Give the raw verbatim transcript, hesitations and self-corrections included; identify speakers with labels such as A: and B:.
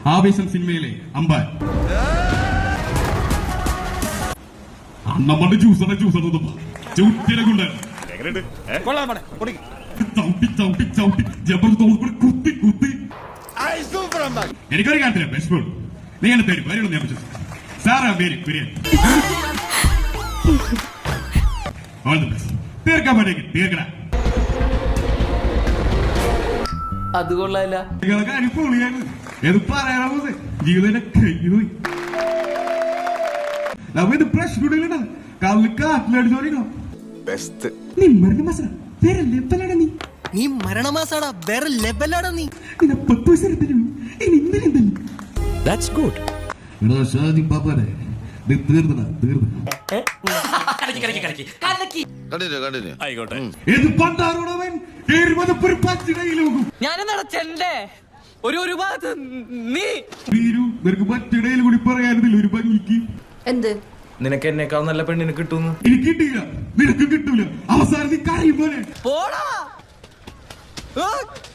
A: ആവേശം സിനിമയിലെ അമ്പാൻ നമ്മുടെ ജ്യൂസറ ജ്യൂസറ ചൂട്ടിനെ കൊണ്ട് ചവിട്ടി ചവിട്ടി ചവിട്ടി ജബർദസ്ത് കുത്തി കുത്തി എനിക്കൊരു കാര്യത്തില്ല ബെസ്റ്റ് നീ എന്നെ തരും വരും ഞാൻ വിശ്വസിച്ചു സാറാ പേര് ബിരിയാണി തീർക്കാൻ പറ്റേക്ക് തീർക്കണ
B: അത് കൊള്ളാല്ല
A: ഏത് പറയാനാ ജീവിതം കഴിഞ്ഞു പോയി നമ്മ ഇത് പ്രശ്നം കല്ല് കാറ്റിലടിച്ചോളിക്കോ നീ മരണ മാസം വേറെ ലെവലാടാ നീ
C: നീ മരണമാസാടാ വേറെ ലെവലാടാ നീ
A: നിന്നെ പത്ത് വയസ്സ് എടുത്തിട്ടുള്ളൂ ഇനി ഇന്നലെ എന്തല്ലേ
D: That's good.
A: എടാ ഷാജി പാപ്പാനെ നീ തീർന്നടാ തീർന്നു
D: ആയിക്കോട്ടെ.
A: ഏത് പണ്ടാറോടവൻ എഴുപത് പച്ചിടയിലോകും
B: ഞാനെന്താ ചെണ്ടേ ഒരു ഒരു ഭാഗത്ത് നീ
A: വീരു നിനക്ക് മറ്റിടയിൽ കൂടി പറയാനില്ല ഒരു ഭംഗിക്ക്
E: എന്ത്
B: നിനക്ക് എന്നെക്കാൾ നല്ല പെണ്ണിന് കിട്ടുന്നു
A: എനിക്ക് കിട്ടിയില്ല നിനക്ക് കിട്ടൂല അവസാനം നീ കരയും പോലെ
B: പോടാ